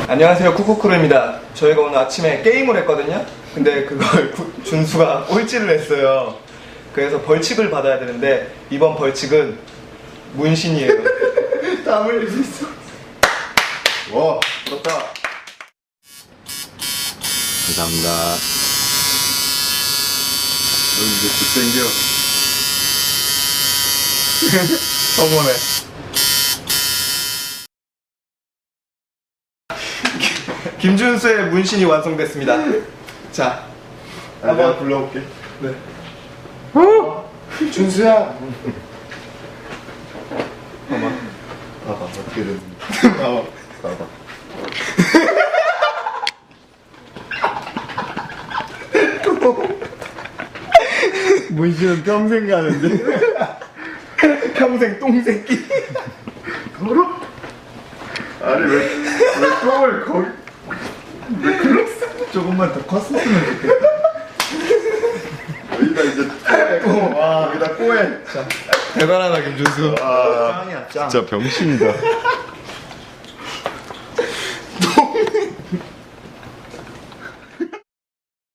안녕하세요, 쿠쿠쿠루입니다. 저희가 오늘 아침에 게임을 했거든요. 근데 그걸 준수가 꼴찌를 했어요. 그래서 벌칙을 받아야 되는데 이번 벌칙은 문신이에요. 땀 흘릴 수 있어. 와, 부럽다. 감사합니다. 너 이제 굿생겨. 저번에 김준수의 문신이 완성됐습니다. 자, 내가 불러올게. 네. 준수야. 봐봐. 봐봐, 어떻게 됐는지. 봐봐. 봐봐. 문신은 평생 가는데. 평생 똥새끼. 걸어? 아니, 왜 똥을 거기. 왜 그랬어? 조금만 더 컸었으면 좋겠다. 여기다 이제 꼬에. 여기다 꼬에. 대단하다, 김준수. 아, 짱이야, 짱. 진짜 병신이다.